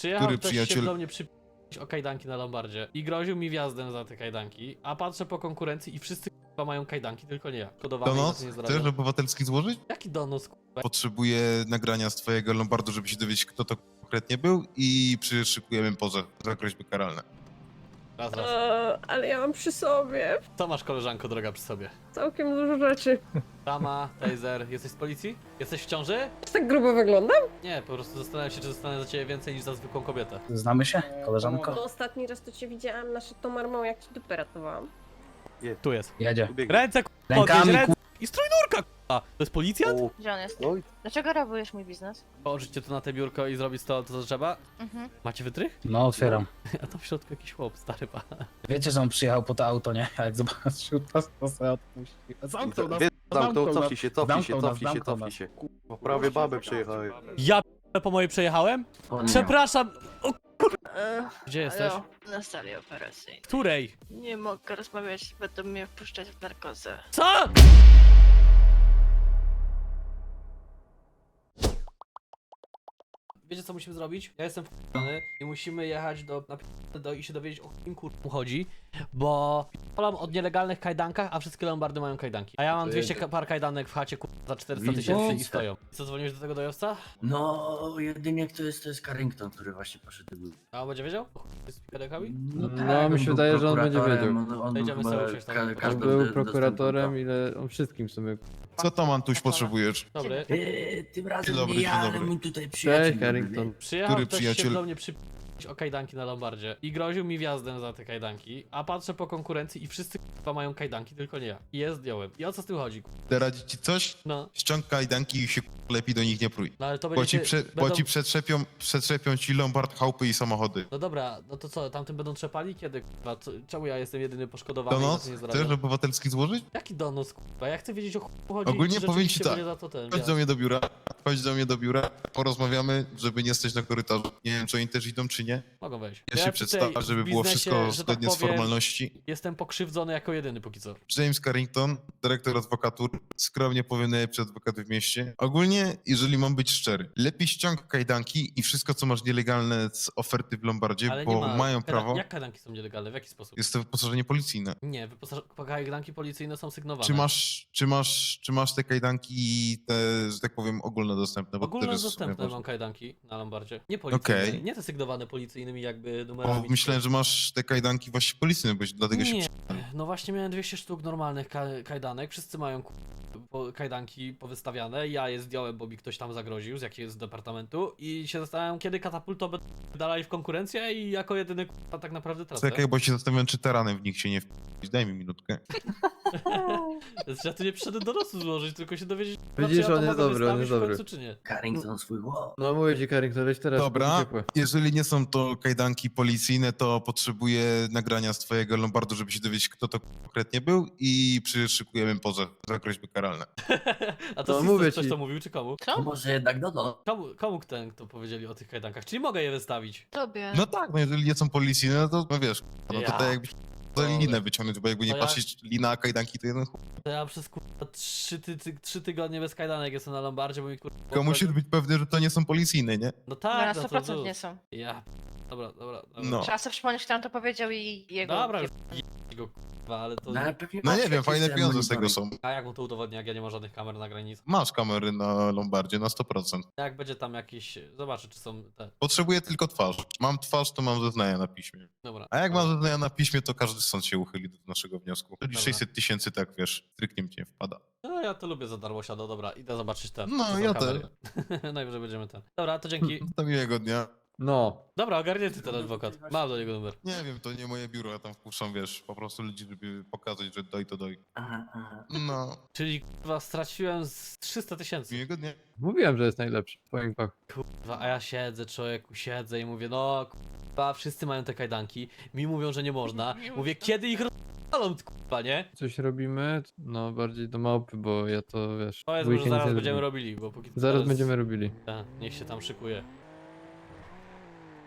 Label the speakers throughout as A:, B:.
A: Przyjechał
B: Który
A: ktoś
B: przyjaciel?
A: się do mnie o kajdanki na Lombardzie i groził mi wjazdem za te kajdanki, a patrzę po konkurencji i wszyscy k***a mają kajdanki, tylko nie ja. Kodowane i na to
B: Donos?
A: nie
B: Chcesz
A: zarabiam.
B: obywatelski złożyć?
A: Jaki donos, k***a?
B: Potrzebuję nagrania z twojego Lombardu, żeby się dowiedzieć, kto to konkretnie był i przyszykujemy pozew za groźby karalne.
A: Raz, raz.
C: Ale ja mam przy sobie
A: Co masz, koleżanko droga, przy sobie?
C: całkiem dużo rzeczy.
A: Tama, taser. Jesteś z policji? Jesteś w ciąży?
C: Czy tak grubo wyglądam?
A: Nie, po prostu zastanawiam się, czy dostanę za ciebie więcej niż za zwykłą kobietę.
D: Znamy się, koleżanko?
C: No ostatni raz to cię widziałam na Chateau Marmont, jak ci dupę ratowałam.
A: Tu jest.
D: Jedzie.
A: Ręce, k***a,
D: Rękami,
A: podnieś ręce. I strójnurka, k***a. To jest policjant?
E: Gdzie on jest?
F: Oj.
E: Dlaczego rabujesz mój biznes?
A: Położyć cię tu na te biurko i zrobić to, co trzeba?
E: Mhm.
A: Macie wytrych?
D: No, otwieram.
A: A tam w środku jakiś chłop, stary pan.
D: Wiecie, że on przyjechał po to auto, nie? A jak zobaczył nas, to sobie odpuścił. Zamknął nas.
F: Zamknął,
D: nas.
F: cofnij się, cofnij się,
D: Zamknął nas,
F: cofnij się,
D: zamknął
F: cofnij
D: nas.
F: się. Kurwa, prawie babę przejechałem.
A: Ja po mojej przejechałem? Przepraszam. O, gdzie jesteś?
E: Halo, na sali operacyjnej.
A: Której?
E: Nie mogę rozmawiać, będą mnie wpuszczać w narkozę.
A: Co? Wiecie, co musimy zrobić? Ja jestem f***ny i musimy jechać i się dowiedzieć, o kim kurwa chodzi, bo p***lam od nielegalnych kajdankach, a wszystkie Lombardy mają kajdanki. A ja mam 200 par kajdanek w chacie kurwa za 400 tysięcy i stoją. Co, dzwoniłeś do tego dojowca?
G: No, jedynie to jest Carrington, który właśnie poszedł.
A: A on będzie wiedział? Z kajdankami?
H: No, mi się wydaje, że on będzie wiedział.
G: On
A: Jedziemy
G: był
A: sobie
G: chyba
A: usiąść tam.
H: On
G: każdy
H: był prokuratorem, ile on wszystkim w sumie.
B: Co tam, Antuś, potrzebujesz?
A: Dobry.
G: Tym razem
B: Dzień dobry,
G: nie ja,
B: dzień
G: ale
B: dobry.
G: mój tutaj przyjaciel.
H: Cześć, Carrington.
A: Przyjechał
B: Który
A: ktoś
B: przyjaciel?
A: się do mnie o kajdanki na Lombardzie i groził mi wjazdem za te kajdanki, a patrzę po konkurencji i wszyscy k***a mają kajdanki, tylko nie ja. I je zdjąłem. I o co z tym chodzi?
B: Chcę radzić ci coś?
A: No,
B: Ściąg kajdanki i się lepiej do nich nie prój.
A: no ale to
B: Bo
A: będzie
B: ci,
A: będą...
B: bo ci przetrzepią ci Lombard, chałupy i samochody.
A: No dobra, no to co, tamtym będą trzepali? Kiedy k***a? Czemu ja jestem jedyny poszkodowany i na
B: Donos?
A: to nie
B: Chcesz
A: zarabiam?
B: obywatelski złożyć?
A: Jaki donos, k***a? Ja chcę wiedzieć, o chuj chodzi
B: Ogólnie
A: i czy
B: powiem ci
A: rzeczywiście
B: tak.
A: będzie za to ten
B: Chodź
A: wjazd.
B: do mnie do biura, porozmawiamy, żeby nie stać na korytarzu. Nie wiem, czy oni też idą, czy nie.
A: Mogą wejść.
B: Ja się
A: tutaj
B: przedstawię, żeby
A: w
B: było
A: biznesie,
B: wszystko
A: że tak
B: zgodnie z
A: powiem,
B: formalności.
A: Jestem pokrzywdzony jako jedyny póki co.
B: James Carrington, dyrektor adwokatur, skromnie powiem najlepszy adwokat w mieście. Ogólnie, jeżeli mam być szczery, lepiej ściąg kajdanki i wszystko, co masz nielegalne z oferty w Lombardzie,
A: Ale
B: bo
A: nie ma...
B: mają prawo.
A: Jak kajdanki są nielegalne? W jaki sposób?
B: Jest to wyposażenie policyjne.
A: Nie, kajdanki policyjne są sygnowane.
B: Czy masz te kajdanki, te, że tak powiem, ogólnodostępne? Bo to też jest w sumie
A: Ogólnodostępne
B: ważne.
A: mam kajdanki na Lombardzie. Nie policyjne,
B: Okej.
A: nie te sygnowane policyjnymi jakby
B: Bo
A: numerami.
B: myślałem, że masz te kajdanki właśnie policyjne, bo dlatego się
A: Nie, no właśnie miałem 200 sztuk normalnych kajdanek, wszyscy mają kajdanki powystawiane, ja je zdjąłem, bo mi ktoś tam zagroził z jakiegoś departamentu i się zastanawiam, kiedy katapulto będą dalej w konkurencję i jako jedyny tak naprawdę tracę.
B: Czekaj, bo się zastanawiam, czy taranem w nich się nie wpić. Daj mi minutkę.
A: Ja tu nie przyszedłem do nosu złożyć, tylko się dowiedzieć,
H: Widzisz,
A: czy ja to
H: on jest
A: mogę
H: dobry, on
A: wystawić
H: jest
A: w końcu,
H: dobry.
A: czy nie.
G: Carrington swój wow.
H: No mówię ci, Carrington, weź teraz.
B: Dobra,
H: ciepłe.
B: jeżeli nie są to kajdanki policyjne, to potrzebuję nagrania z twojego Lombardu, żeby się dowiedzieć, kto to konkretnie był i przyszykujemy pozew za groźby karalne.
A: A to
H: No,
A: no,
H: mówię
A: ktoś
H: ci.
A: to mówił, czy komu?
G: To może jednak Dodo.
A: Komu kto powiedzieli o tych kajdankach? Czyli mogę je wystawić?
E: Tobie.
B: No tak, no jeżeli nie są policyjne, no to no wiesz, no to
A: Ja.
B: tak jakbyś za linę wyciągnąć, bo jakby nie
A: To ja-
B: patrzeć lina, a kajdanki to jeden chuj.
A: To ja przez 3 tygodnie bez kajdanek jestem na Lombardzie, bo mi
B: Tylko musisz być pewny, że to nie są policyjne, nie?
A: No
E: No,
A: tak,
E: na
A: no
E: 100%
A: to
E: nie są.
A: Ja. Dobra.
B: No.
E: Trzeba sobie przypomnieć, kto nam to powiedział i jego...
A: Dobra, już go kurwa, ale to...
G: No, ale pewnie
B: No
G: masz
B: nie wiem,
G: jakieś
B: fajne
G: te
B: pieniądze z tego
G: monitoring.
B: są.
A: A jak mu to udowodnię, jak ja nie mam żadnych kamer na granicy?
B: Masz kamery na Lombardzie na 100%.
A: Jak będzie tam jakiś... Zobaczę, czy są te...
B: Potrzebuję tylko twarz. Mam twarz, to mam zeznania na piśmie.
A: Dobra.
B: A jak mam zeznania na piśmie, to każdy sąd się uchyli do naszego wniosku. Czyli
A: Dobra.
B: 600 tysięcy, tak wiesz, stryknie nie wpada.
A: No ja to lubię za darmo siado, dobra, idę zobaczyć ten.
B: No,
A: czy są
B: ja
A: kamery. Najwyżej będziemy ten. Dobra, to dzięki.
B: Do miłego dnia.
H: No.
A: Dobra, ogarnięty ten adwokat. Mam do niego numer.
B: Nie wiem, to nie moje biuro, ja tam wpuszczam, wiesz, po prostu ludzi, żeby pokazać, że doj to doj.
G: Aha.
B: No,
A: Czyli kurwa straciłem z 300 tysięcy.
B: miłego dnia.
H: Mówiłem, że jest najlepszy w twoim fachu.
A: Kurwa, a ja siedzę, człowieku, siedzę i mówię, no kurwa, wszyscy mają te kajdanki. Mi mówią, że nie można. Mówię, kiedy ich rozpalą, kurwa, nie?
H: Coś robimy, no bardziej do małpy, bo ja to wiesz.
A: Powiedz,
H: w
A: że
H: weekend
A: zaraz
H: nie
A: będziemy
H: zrobię.
A: robili, bo póki co
H: Zaraz
A: teraz-
H: będziemy robili.
A: Tak, niech się tam szykuje.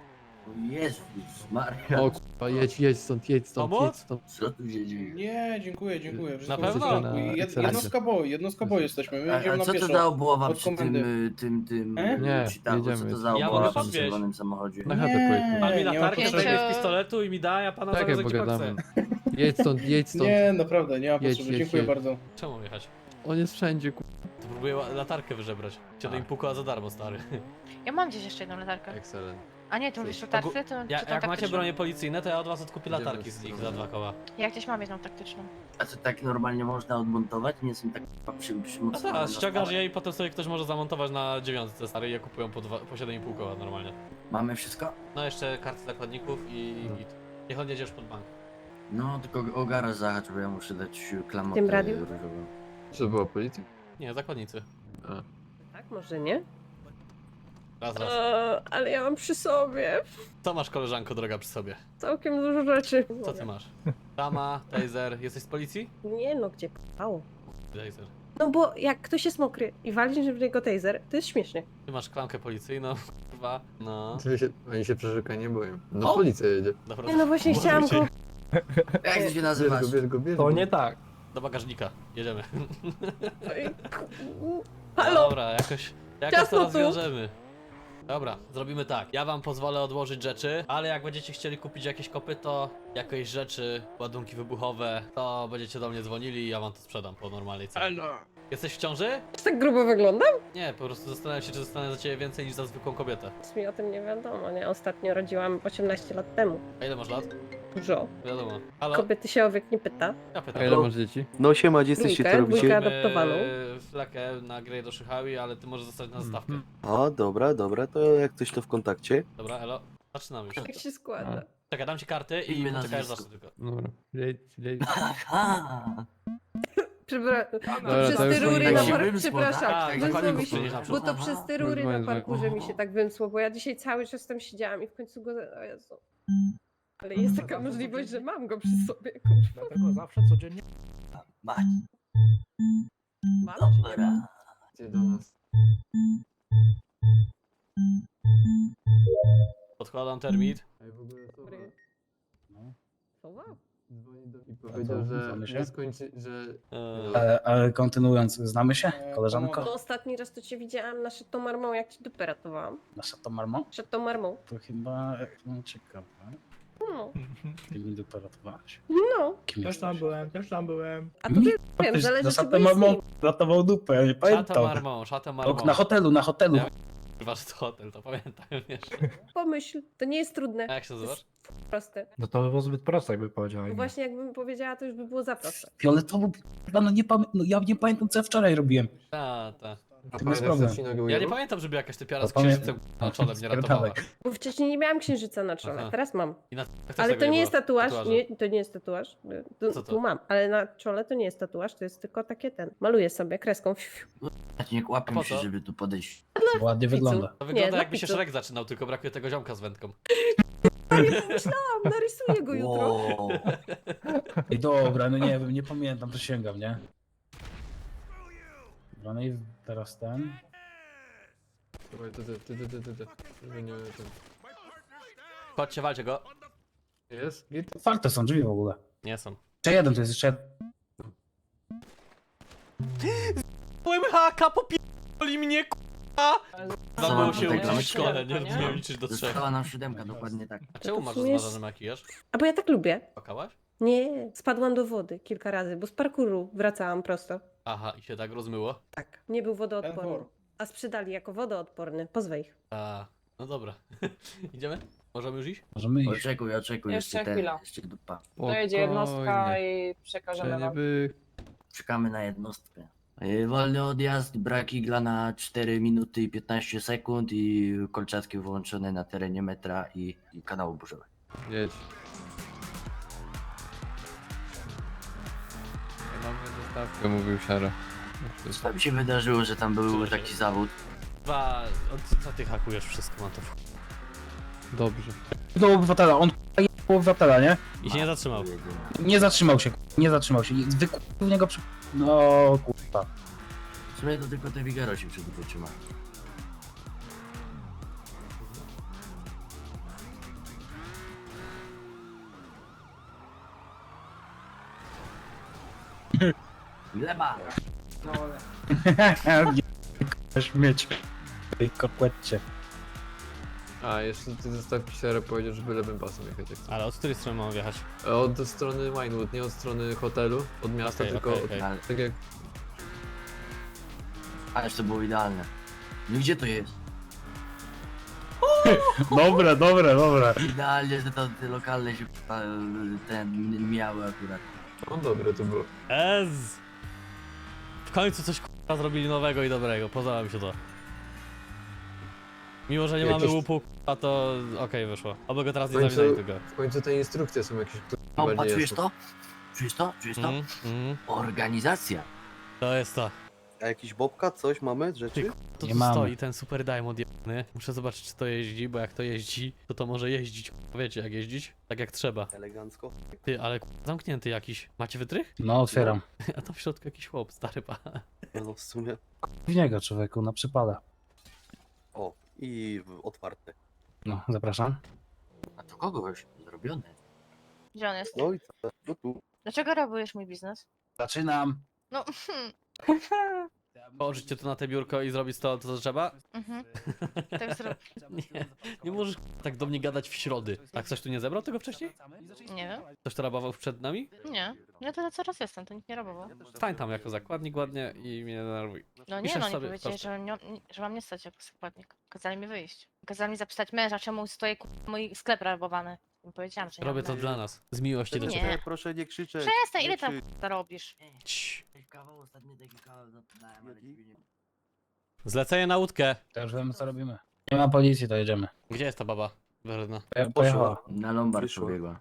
G: Jezus Maria,
H: O kurwa, jedź stąd, jedź stąd,
A: Pomóc?
H: jedź stąd.
G: co tu się dzieje?
I: Nie, dziękuję, dziękuję. Wszystko
A: Na
I: w
A: pewno?
I: porządku.
H: Na ekscelencji.
I: Jednostka boju jesteśmy, my idziemy
G: A
I: na
G: co to
I: pieszo.
G: za obława
I: Od
G: przy tym,
I: komendy.
G: tym
H: Nie,
G: cheataku? Co
H: jedziemy.
G: to za
A: Ja
G: obława
A: mogę
G: przy
A: podwieźć.
G: czerwonym samochodzie?
H: Na chatę
I: Nie,
H: pojedźmy.
A: Pan mi
I: nie ma
A: latarkę
I: potrzeby.
A: sobie z pistoletu i mi da, ja pana
H: Tak,
A: zaraz
H: jak
A: gdzie pan chce.
H: pogadamy. Jedź stąd, jedź stąd.
I: Nie, naprawdę, nie ma
H: Jedź,
I: potrzeby,
H: jedź,
I: dziękuję
H: jedź.
I: bardzo.
A: Czemu jechać?
H: On jest wszędzie, kurwa.
A: To próbuję latarkę wyżebrać. Cię im pukała za darmo, stary.
E: Ja mam gdzieś jeszcze jedną latarkę.
H: Excellent.
E: A nie, ty mówisz o tarce, to
A: Ja,
E: czy tą
A: jak macie
E: taktyczną?
A: bronie policyjne, to ja od was odkupię
H: Idziemy
A: latarki z nich za 2 koła.
E: Ja gdzieś mam jedną taktyczną.
G: A co tak normalnie można odmontować? Nie są tak
A: No
G: przymocowane
A: tak,
G: na
A: ściągasz
G: stałe?
A: je i potem sobie ktoś może zamontować na 9, stary, i je kupują po 7,5 koła normalnie.
G: Mamy wszystko?
A: No jeszcze karty zakładników i git. Niech on jedziesz pod bank.
G: No, tylko o garaż zahacz, bo ja muszę dać klamotę
C: Tym radiu?
G: różową.
H: Co była policja?
A: Nie, zakładnicy.
C: Tak, może nie?
A: Raz, raz.
C: Ale ja mam przy sobie
A: Co masz, koleżanko droga, przy sobie?
C: całkiem dużo rzeczy.
A: Co ty masz? Tama, taser. Jesteś z policji?
C: Nie no, gdzie p***ało?
A: Taser.
C: No bo jak ktoś jest mokry i walisz w niego taser, to jest śmiesznie.
A: Ty masz klamkę policyjną, kurwa. No.
H: Oni się przeszukania nie boją. No policja jedzie.
A: Dobra,
C: Nie no właśnie chciałam go...
G: Jak ty się nazywasz?
H: bierz
D: To nie tak.
A: do bagażnika. Jedziemy.
C: Halo?
A: Dobra, jakoś to
C: Ciasno tu.
A: rozwiążemy. Dobra, zrobimy tak. Ja wam pozwolę odłożyć rzeczy, ale jak będziecie chcieli kupić jakieś kopyto, jakieś rzeczy, ładunki wybuchowe, to będziecie do mnie dzwonili i ja wam to sprzedam po normalnej cenie. Jesteś w ciąży?
C: Czy tak grubo wyglądam?
A: Nie, po prostu zastanawiam się, czy dostanę za ciebie więcej niż za zwykłą kobietę.
C: Nic mi o tym nie wiadomo, nie? Ostatnio rodziłam 18 lat temu.
A: A ile masz lat?
C: Dużo.
A: Wiadomo. Halo?
C: Kobiety się o wiek nie pyta.
A: Ja
H: A
A: pytam.
H: ile masz dzieci?
F: No siema, gdzie jesteście, co
C: Dwójkę,
F: robicie?
C: dwójkę. adoptowaną.
A: Flakę na grę do Szychawi, ale ty możesz zostać na zastawkę.
F: A, dobra, to jak coś to w kontakcie.
A: Dobra, elo. Zaczynamy już.
C: Jak się składa?
A: Czekaj, dam ci karty i
G: Imię,
A: poczekaj aż
G: nazwisko.
A: zacznę tylko.
H: Dobra. Jedź.
G: Aha!
H: Ale
C: Przez
H: to
C: te
H: już
C: rury
H: oni
C: na
H: tak się
C: parku,
G: wymsło,
C: przepraszam,
A: tak,
C: wymsło
A: zakładników
C: mi się,
A: przynieś na
C: bo
A: przód.
C: to przez te rury na
H: Kurwa,
C: parkurze mi się tak wymsło, bo ja dzisiaj cały czas tam siedziałam i w końcu go... O Jezu. Ale jest taka możliwość, że mam go przy sobie, kurwa.
I: Dlatego zawsze codziennie...
G: Mać,
C: Mam czy nie mam?
G: dobra.
H: Gdzie do nas?
A: Podkładam termit.
H: Ej, w ogóle to...
C: Dobry. Co wow?
H: Dzwoni do... I powiedział,
D: Znamy
H: że
D: się?
H: nie skończy, że...
D: Ale kontynuując, znamy się,
C: No
D: koleżanko?
C: ostatni raz to cię widziałam na Chateau Marmont, jak ci dupę ratowałam.
D: Nasza to Marmo?
C: Chateau Marmont.
D: To chyba ciekawe.
C: No.
D: Ty mi dopiero ratowałaś.
C: No.
D: Kim
I: Też tam byłem.
C: A to ty wiem, zależy czy byłeś z nim.
D: Marmo ratował dupę, ja nie
A: Szatę
D: pamiętam.
A: marmą, szatę
D: O,
A: marmą.
D: na hotelu.
A: Ja- Chyba, że to hotel, to pamiętam, wiesz.
C: Pomyśl, to nie jest trudne.
A: A jak się nazywasz?
C: Proste.
I: No to by było zbyt proste, jakby powiedziała.
C: Bo właśnie jakbym powiedziała, to już by było za proste.
D: Fioletowo, no nie no ja nie pamiętam co ja wczoraj robiłem.
A: Ta.
D: To jest problem.
A: Ja nie pamiętam, żeby jakaś typiara
D: To
A: z księżycem na czole mnie
D: Spierdalaj.
A: ratowała.
C: Bo wcześniej nie miałam księżyca na czole,
A: Aha.
C: teraz mam.
A: I na
C: Ale to nie jest tatuaż,
A: Tatuaże.
C: nie, to nie jest tatuaż.
A: Co to?
C: Tu mam, ale na czole to nie jest tatuaż, to jest tylko takie maluję sobie kreską.
G: Nie
A: A po
G: łapię się,
A: co?
G: żeby tu podejść.
D: Ładnie wygląda.
A: To wygląda
C: dla
A: jakby się
C: pizzów.
A: Shrek zaczynał, tylko brakuje tego ziomka z wędką.
C: Myślałam, narysuję go jutro.
G: Wow.
D: Ej, dobra, no nie wiem, nie pamiętam, przysięgam, nie? Dobra, no i teraz ten.
H: Słuchaj, ty. Żeby nie... ten-
A: Chodźcie, walcie go.
H: Jest? Git?
D: Otwarte są drzwi w ogóle.
A: Nie są.
D: Jeszcze jeden, to jest jeszcze jeden.
A: Byłem haka, popierdoli mnie, k***a! Zabało się
G: tutaj
A: uczyć w
G: gramy?
A: szkole, nie umiem liczyć do 3.
G: Została nam 7, dokładnie tak.
A: A czemu
C: to w
A: masz
C: sumie jest-
A: zmarzony makijaż?
C: A bo ja tak lubię.
A: Płakałaś?
C: Nie, spadłam do wody kilka razy, bo z parkuru wracałam prosto.
A: Aha, i się tak rozmyło?
C: Tak, nie był wodoodporny.
I: Enfor.
C: A sprzedali jako wodoodporny. Pozwę ich.
A: A, no dobra. Idziemy? Możemy już iść?
D: Możemy iść.
G: Oczekuj,
J: Jeszcze
G: jeszcze ten,
J: chwila.
G: jeszcze dupa.
J: Dojedzie jednostka
H: Spokojnie.
J: i przekażemy
H: Że nie
J: wam.
H: by...
G: Czekamy na jednostkę. Wolny odjazd, brak igla na 4 minuty i 15 sekund i kolczatki wyłączone na terenie metra i kanału burzowego.
H: Jedź. Ja mamy dostawkę, mówił Siara.
G: Co mi się wydarzyło, że tam był taki zawód?
A: Co ty hakujesz wszystko, mam to.
H: Dobrze.
D: Do obywatela, on jebał obywatela, nie?
A: I się nie zatrzymał.
D: Nie zatrzymał się, nie zatrzymał się. Wykupił w niego przy... No kurwa.
G: W sumie to tylko te Vigero się przed wytrzyma. Gleba!
D: Śmieć. W tej kokłecie.
H: A, jeszcze ty został pisarę powiedział, żeby lewym pasem jechać jak chcesz.
A: Ale od której strony mam wjechać?
H: Od strony Winewood, nie od strony hotelu, od miasta,
A: Okej,
H: tylko
A: okej.
G: Ale,
H: tak jak...
G: ależ to było idealne. No gdzie to jest?
D: Dobre, dobre, dobre.
G: Idealnie, że to te lokalne się ten miały akurat.
H: No dobre to było.
A: Ez! W końcu coś k***a zrobili nowego i dobrego, podoba mi się to. Mimo, że nie mamy
H: Jakieś-
A: łupu, k***a, to okej, wyszło. Oby go teraz
H: W
A: nie
H: końcu,
A: zawinęli tego.
H: w końcu te instrukcje są jakieś
G: O,
H: bardziej
G: czujesz
H: jasne.
G: to? Czujesz to? Czujesz to? Organizacja.
A: To jest to.
F: A jakiś bobka, coś mamy, rzeczy?
A: To
D: Nie
A: tu
D: mamy.
A: stoi ten Super Diamond jebany. Muszę zobaczyć, czy to jeździ, bo jak to jeździ, to może jeździć. Wiecie, jak jeździć? Tak jak trzeba.
F: Elegancko.
A: Ty, ale zamknięty jakiś. Macie wytrych?
D: No, otwieram.
A: A tam w środku jakiś chłop, stary pa.
F: No w sumie.
D: W niego, człowieku, na przypada.
F: O, i otwarte.
D: No, zapraszam.
G: A to kogoś zrobione.
E: Gdzie on jest?
F: No i co? No tu.
E: Dlaczego rabujesz mój biznes?
D: Zaczynam.
E: No,
A: Położycie to na te biurko i zrobić to, co trzeba?
E: mhm. Tak zrób.
A: Nie, nie możesz tak do mnie gadać w środy. Tak ktoś tu nie zebrał tego wcześniej?
E: Nie wiem.
A: Ktoś to rabował przed nami?
E: Nie. Ja to coraz jestem, to nikt nie robił.
A: Stań tam jako zakładnik ładnie i mnie denerwuj.
E: No nie,
A: Piszesz
E: no nie
A: sobie
E: powiedzieli,
A: koszty.
E: że mam nie stać jako składnik. Kazali mi wyjść. Kazali mi zapytać męża, czemu stoi mój sklep rabowany. I powiedziałam, że nie
A: Robię
E: mam
A: to
E: męża.
A: dla nas. Z miłości do
E: Nie.
A: ciebie.
F: Proszę nie krzyczeć.
E: Przestań,
F: nie
E: ile tam
F: krzycz.
E: robisz?
A: Cii.
G: Kawał, ostatni taki kawał dałem, ale ciebie nie...
A: Zlecenie na łódkę.
D: To już wiemy, co robimy. Nie ma policji, to jedziemy.
A: Gdzie jest ta baba? Werna.
D: Pojechała.
G: Na Lombard
F: Wyszło.
G: pobiegła.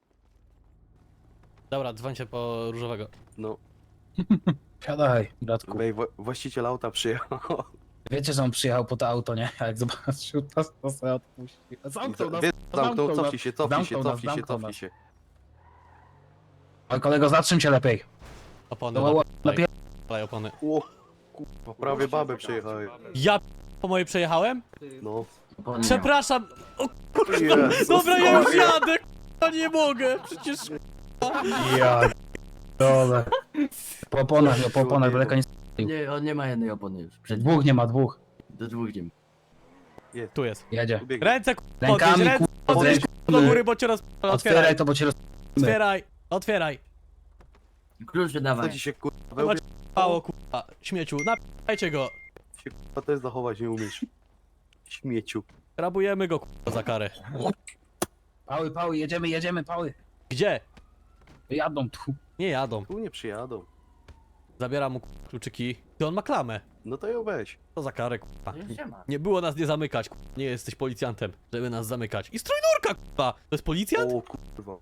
A: Dobra, dzwońcie po różowego.
F: No,
D: Siadaj, bratku.
F: wej, właściciel auta przyjechał.
D: Wiecie, że on przyjechał po to auto, nie? A jak zobaczył nas, to sobie odpuścił. Zamknął nas.
F: Zamknął,
D: nas.
F: cofnij się, cofnij się,
D: Zamknął nas,
F: cofnij się,
D: zamknął
F: cofnij
D: nas.
F: się.
D: Ale kolego, zatrzym się lepiej.
A: Opony.
D: No, lepiej.
A: Daj opony.
F: O, kurwa, prawie babę przejechałem.
A: Ja po mojej przejechałem?
F: No.
G: Opony miał.
A: Przepraszam. O kurwa.
F: Jezus
A: Dobra, ja już
F: Maria.
A: jadę. Ja nie mogę. Przecież
D: Ja dole. Po oponach, daleko nie...
G: Nie, on nie ma jednej opony już. Przed
D: Dwóch nie ma, dwóch.
G: do dwóch nie ma.
A: tu jest.
D: Jedzie.
F: Ubiegnie.
A: Ręce podnieś,
D: Rękami,
A: ręce podnieś do góry, bo cię otwieraj.
D: Otwieraj to, bo cię roz...
A: Otwieraj. Otwieraj.
G: Klucze
F: Co
G: dawaj.
F: ci się kurwa
A: Chyba mało kurwa. Śmieciu. Napijajcie go.
F: się kurwa też zachować nie umiesz. Śmieciu.
A: Rabujemy go kurwa za karę.
D: Pały, jedziemy, pały.
A: Gdzie?
D: Jadą tu.
A: Nie jadą.
F: Tu nie przyjadą.
A: Zabieram mu kurwa, kluczyki. Ty on ma klamę.
F: No to ją weź.
A: Co za karę kurwa.
G: Już nie ma.
A: Nie było nas nie zamykać, kurwa. Nie jesteś policjantem, żeby nas zamykać. I strójnurka, kurwa! To jest policjant?
F: O kurwa.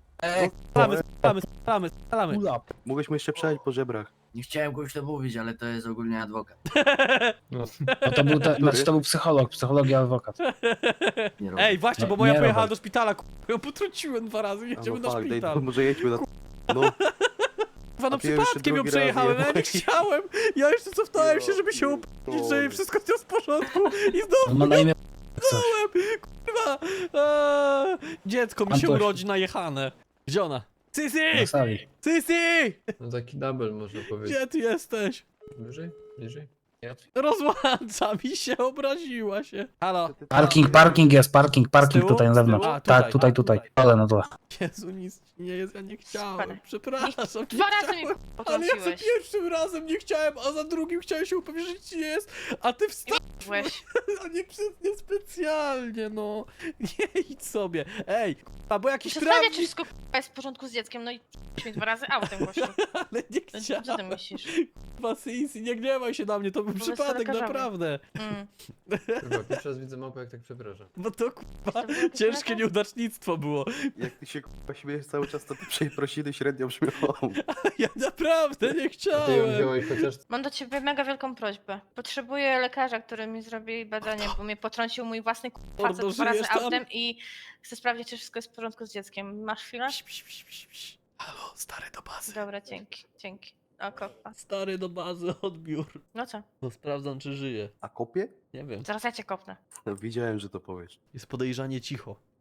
A: Strzelamy.
D: Ula.
F: Mogłeś mu jeszcze przejść po żebrach.
G: Nie chciałem kogoś to mówić, ale to jest ogólnie adwokat.
D: No to był, znaczy to był psycholog i adwokat.
G: Nie robię.
A: Ej, właśnie, bo
D: Nie,
A: moja
D: nie
A: pojechała
D: robię.
A: do szpitala, kurwa. Ją potrąciłem 2 razy,
F: A
A: jedziemy
F: no
A: na
F: fakt, daj,
A: szpital.
F: może jedźmy na... No,
A: Kurwa, no
F: a ty jeszcze
A: przypadkiem ją
F: drugi raz
A: przejechałem, ja nie
F: jebałeś.
A: chciałem. Ja jeszcze cofnąłem się, żeby się upewnić, że wszystko jest w porządku. I
D: On
A: znowu
D: ma na imię coś.
A: kurwa. Dziecko mi się
D: Antoś.
A: urodzi najechane. Gdzie ona?
D: Na
A: Sisi!
D: sali.
A: Sisi!
H: No taki double można powiedzieć.
A: Gdzie ty jesteś?
H: Bliżej? Bliżej?
A: Rozłącza mi się, obraziła się. Halo?
D: Parking jest, parking
A: Z tyłu?
D: tutaj na
A: Z tyłu?
D: zewnątrz.
A: A,
D: Tak, tutaj. Ale no to.
A: Jezu, nic ci nie jest, ja nie chciałem.
E: Super.
A: Przepraszam. nie
E: 2 razy
A: chciałem.
E: mnie
A: Ale ja za
E: potrąciłeś.
A: pierwszym razem nie chciałem, a za drugim chciałem się upewnić, że ci nie jest, a ty
E: Byłeś.
A: a nie specjalnie, no. Nie idź sobie. Ej, a bo jakiś
E: Przestawiać, czy
A: trawnik,
E: wszystko jest w porządku z dzieckiem, no i mi 2 razy autem gościu.
A: ale nie
E: No,
A: chciałem.
E: co ty myślisz?
A: Sisi, nie gniewaj się na mnie, to był
E: Powiedz to
A: przypadek,
E: lekarzowi.
A: naprawdę.
E: Mm.
H: Chyba pierwszy raz widzę małpę jak tak przepraszam.
A: Bo to kurwa,
E: To był
A: ciężkie
E: lekarz?
A: nieudacznictwo było.
F: jak ty się kurwa śmiejesz cały czas, to te przeprosiny średnio brzmią.
A: Ja naprawdę nie
H: A ty ją
A: chciałem.
H: wziąłeś chociaż...
E: Mam do ciebie mega wielką prośbę. Potrzebuję lekarza, który mi zrobi badanie, bo mnie potrącił mój własny facet
A: Mordo,
E: 2 razy
A: żyjesz tam?
E: autem i chcę sprawdzić, czy wszystko jest w porządku z dzieckiem. Masz chwilę?
A: Halo, stary do bazy.
E: Dobra, dzięki. O, kopa.
A: Stary do bazy, odbiór.
E: No co?
A: No sprawdzam, czy żyje.
F: A kopie?
A: Nie wiem.
E: Zaraz ja cię kopnę.
F: No, widziałem, że to powiesz.
A: Jest podejrzanie cicho.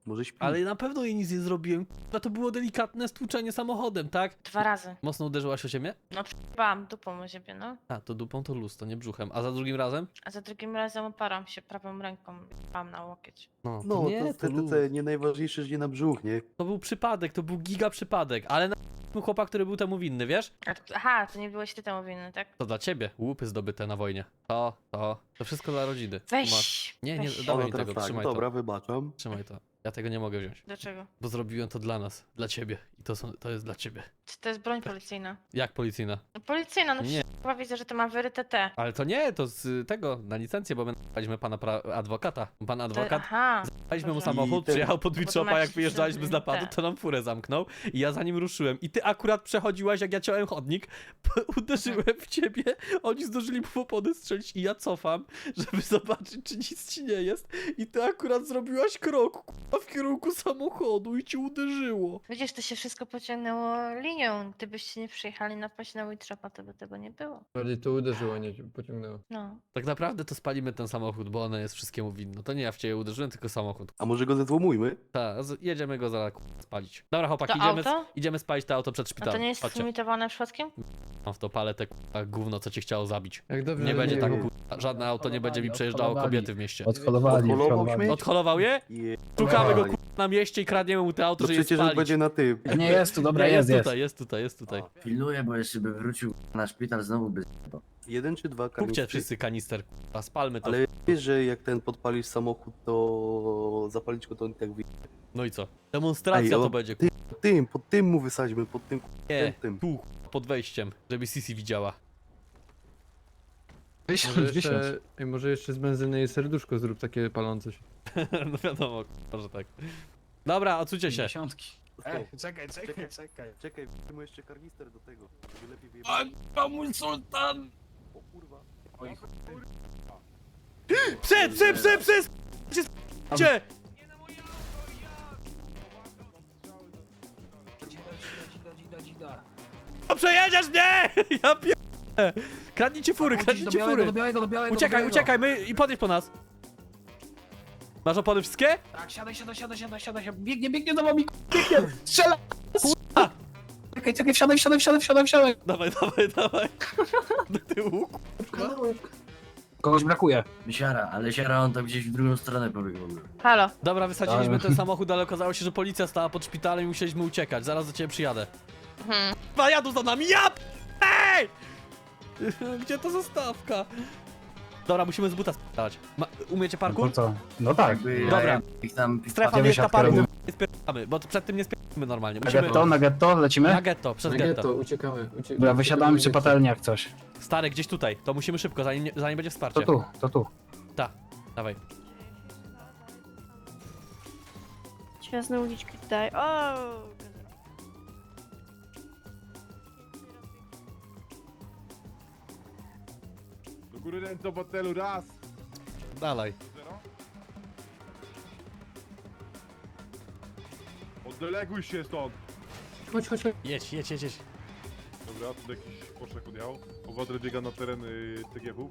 F: Może śpi.
A: Ale na pewno jej nic nie zrobiłem. K***a, to było delikatne stłuczenie samochodem, tak?
E: 2 razy.
A: Mocno uderzyłaś o ziemię?
E: No przyjebałam dupą o ziemię, no.
A: A, to dupą to luz, to nie brzuchem. A za drugim razem?
E: A za drugim razem oparłam się prawą ręką, jebałam na łokieć.
A: No,
F: No,
A: to nie,
F: to
A: to luz.
F: TTC nie najważniejsze, że nie na brzuch, nie?
A: To był przypadek, to był giga przypadek, ale na chłopak, który był temu winny, wiesz?
E: Aha, to nie byłeś ty temu winny, tak?
A: To dla ciebie, łupy zdobyte na wojnie. To wszystko dla rodziny. Tu masz.
E: Weź!
A: Nie, nie,
E: weź.
A: dawaj
F: Ona
A: mi
F: teraz
A: tego,
F: tak,
A: trzymaj
F: dobra,
A: to.
F: wybaczam.
A: Trzymaj to. Ja tego nie mogę wziąć,
E: Dlaczego?
A: bo zrobiłem to dla nas, dla ciebie. I to jest dla ciebie.
E: Czy to jest broń policyjna?
A: Jak policyjna?
E: No policyjna, no
A: Nie.
E: przecież chyba widzę, że to ma wyryte T.
A: Ale to nie, to z tego, na licencję, bo my napaliśmy pana adwokata. Pan adwokat,
E: Aha,
A: daliśmy mu
E: dobrze.
A: samochód,
F: I ten-
A: przyjechał pod
E: Bo to
A: Witchopa,
E: ma
A: jak
E: jakiś
A: wyjeżdżaliśmy z napadu,
E: ten.
A: to nam furę zamknął i ja za nim ruszyłem. I ty akurat przechodziłaś, jak ja ciąłem chodnik, uderzyłem w ciebie, oni zdążyli mu w opony strzelić i ja cofam, żeby zobaczyć, czy nic ci nie jest. I ty akurat zrobiłaś krok, k***a, w kierunku samochodu i ci uderzyło.
E: Widzisz, to się wszystko pociągnęło linią. Gdybyście nie przyjechali napaść na Witchopa, to by tego nie było.
H: Bardziej to uderzyło, nie cię pociągnęło.
E: No.
A: Tak naprawdę to spalimy ten samochód, bo ona jest wszystkiemu winna. To nie ja w ciebie uderzyłem, tylko samochód.
F: A może go zezłomujmy?
A: Tak, jedziemy go zaraz spalić. Dobra, chłopaki,
E: To
A: idziemy,
E: auto?
A: idziemy spalić to auto przed
E: A
A: szpitalem.
E: to nie jest
A: Chodźcie.
E: limitowane przypadkiem?
A: Mam w to palę te k***a gówno, co cię chciało zabić.
H: Jak dobrze,
A: Nie
H: że
A: będzie tak,
H: było.
A: k***a, żadne auto nie będzie mi przejeżdżało
D: Odholowali.
A: kobiety w mieście.
D: Odholowali.
F: Odholował śmieć?
A: Odholował je?
F: Je...
A: Szukamy go
F: Oj.
A: k***a, na mieście i kradniemy mu te auto,
F: To
A: że je
F: przecież
A: spalić.
F: będzie na tym.
D: Nie jest tu, dobra,
A: Nie,
D: jest.
A: tutaj, jest tutaj, jest tutaj.
G: Pilnuję, bo jeszcze by wrócił na szpital znowu by...
F: Jeden czy dwa
A: Kupcie
F: kanistry?
A: wszyscy kanister, k***a, spalmy to.
F: Ale wiesz, że jak ten podpalisz samochód, to zapalić go to on tak wy...
A: No i co? Demonstracja
F: Ej,
A: to
F: o,
A: będzie,
F: Pod tym mu wysadźmy, pod tym
A: nie,
F: tym.
A: tu, k***a, pod wejściem, żeby Sisi widziała.
H: Może jeszcze z benzyny i serduszko zrób takie palące się.
A: No wiadomo, k***a, że tak. Dobra, odsuńcie się.
D: Dziesiątki.
F: Ej,
D: czekaj.
F: Czekaj, weźmy jeszcze karnister do tego, żeby lepiej wyjebać.
D: Mój sultan!
F: O kurwa.
A: Psy! Gdzie? No przejedziesz mnie! Ja pier... Kradnijcie fury, kradnijcie fury!
D: Do białego.
A: Uciekaj, uciekaj, my i podjedź po nas. Masz opony wszystkie?
D: Tak, siadaj. Biegnie za wami, biegnie! Strzela! Czekaj, wsiadaj.
A: Dawaj. Do tyłu.
D: Kogoś brakuje.
G: Siara, ale siara on tam gdzieś w drugą stronę pobiegł w ogóle.
E: Halo.
A: Dobra, wysadziliśmy ten samochód, ale okazało się, że policja stała pod szpitalem i musieliśmy uciekać. Zaraz do ciebie przyjadę.
E: Mhm.
A: Dwa jadą za nami, ja p- Ej! Gdzie to zastawka? Dobra, musimy z buta spać. Umiecie parkour?
D: Po co? No tak.
G: Jakby
A: Dobra.
G: ja ich tam...
A: Strefa
D: Gdzie
A: miejska
D: wysiadkę
A: parkour.
D: robimy?
A: Nie spierdamy, bo przed tym nie spierdamy normalnie.
D: Na getto, lecimy?
A: Na getto, przez
H: Na
A: getto.
H: getto, uciekamy.
D: Dobra, wysiadamy przy patelni jak coś.
A: Stary, gdzieś tutaj. To musimy szybko, zanim będzie wsparcie.
D: To tu.
A: Ta, dawaj.
E: Świazne uliczki tutaj. O!
J: Do góry ręce w hotelu, raz!
A: Dalej.
J: Oddeleguj się stąd!
H: Chodź.
A: Jedź.
J: Dobra, tu jakiś poszlak odjechał. Owadry biega na teren TGW.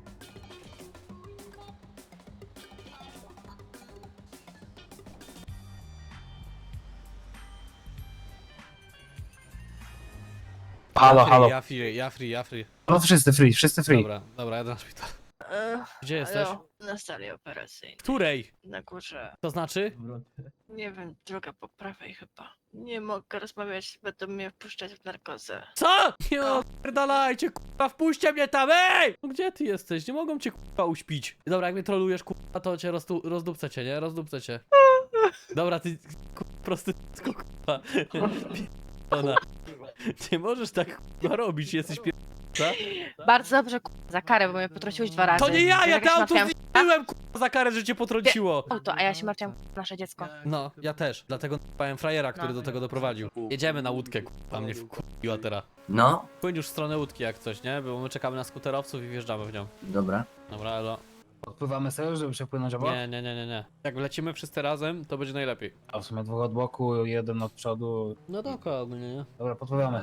D: Halo.
A: Ja free.
D: No wszyscy free.
A: Dobra, jadę na szpital. Gdzie jesteś?
E: Na sali operacyjnej.
A: Której?
E: Na górze.
A: To znaczy?
E: Nie wiem, droga po prawej chyba. Nie mogę rozmawiać, będą mnie wpuszczać w narkozę.
A: Co? Nie opierdalajcie, kurwa, wpuśćcie mnie tam, ej! No gdzie ty jesteś? Nie mogą cię, kurwa, uśpić. Dobra, jak mnie trolujesz, kurwa, to cię rozdupcę cię, nie? Rozdupcę cię. Dobra, ty, kurwa, prosty, kurwa. Ona. Nie możesz tak, kurwa, robić, jesteś pier...
E: Bardzo dobrze, za karę, bo mnie potrąciłeś 2 razy.
A: To nie ja,
E: Wiesz,
A: ja
E: jak
A: te
E: się
A: auto
E: martwiłam?
A: zniszczyłem, kurwa, za karę, że cię potrąciło.
E: Auto, a ja się martwiłam nasze dziecko.
A: No, ja też, dlatego n***ałem frajera, który do tego doprowadził. Jedziemy na łódkę, kurwa, mnie wkurwiła teraz.
G: No,
A: Płyń już w stronę łódki jak coś, nie? Bo my czekamy na skuterowców i wjeżdżamy w nią.
G: dobra.
A: Dobra, elo.
D: Odpływamy sobie, żeby przepłynąć obok?
A: Nie. Jak lecimy wszyscy razem, to będzie najlepiej.
D: A w sumie 2 od boku, 1 od przodu.
A: No dokładnie, nie?
D: Dobra, podpływamy.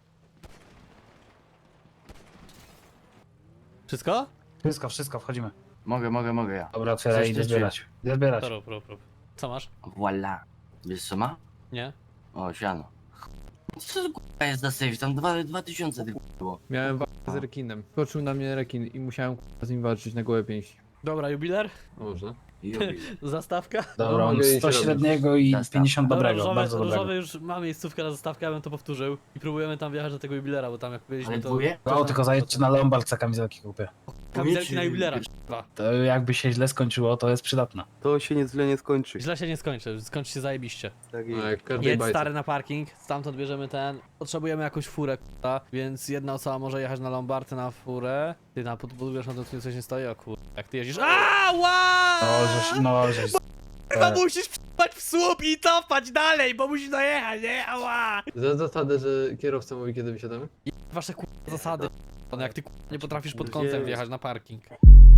A: Wszystko?
D: Wszystko, wchodzimy.
G: Mogę ja.
D: Dobra, otwieraj
G: Coś
D: i idę
G: ty
D: zbierać. Idę zbierać.
A: To rób. Co masz?
G: Voila. Wiesz co ma?
A: Nie?
G: O, siano. Co to kurwa jest za safe? Tam 2000 tylko było.
H: Miałem walkę z rekinem. Skoczył na mnie rekin i musiałem kurwa, z nim walczyć na gołe pięści.
A: Dobra, jubiler?
H: Można.
G: I robię.
A: Zastawka?
D: Dobra,
H: No,
D: mam
H: mogę iść
D: 100
H: robić.
D: średniego i
G: Zastaw.
D: 50
A: Dobra,
D: dobrego, bardzo dobrego.
A: różowy już ma miejscówkę na zastawkę, ja bym to powtórzył. I próbujemy tam wjechać do tego jubilera, bo tam jak byliśmy
G: Ale
A: to...
G: dwóje?
D: No, tylko zajedźcie na Lombard, co kamizelki kupię.
A: Kamizelki na jubilera, k***a.
D: To jakby się źle skończyło, to jest przydatne.
F: To się źle nie skończy.
A: Źle się nie skończy, skończy się zajebiście.
F: Tak
H: No,
F: jest.
H: jak w każdej
A: Jedź
H: bajce.
A: stary na parking, stamtąd bierzemy ten. Potrzebujemy jakąś furę, k***a, więc jedna osoba może jechać na Lombardy na furę. Ty na podwórku na tym coś nie stoi, o kur... Jak ty jeździsz... Ała!
D: No, żeś...
A: Chyba musisz wpaść w słup i cofać dalej, bo musisz dojechać, nie? Ała!
H: Za zasadę, że kierowca mówi kiedy wysiadamy?
A: Wasze zasady, jak ty nie potrafisz pod
F: Już
A: kątem
F: jest.
A: wjechać na parking.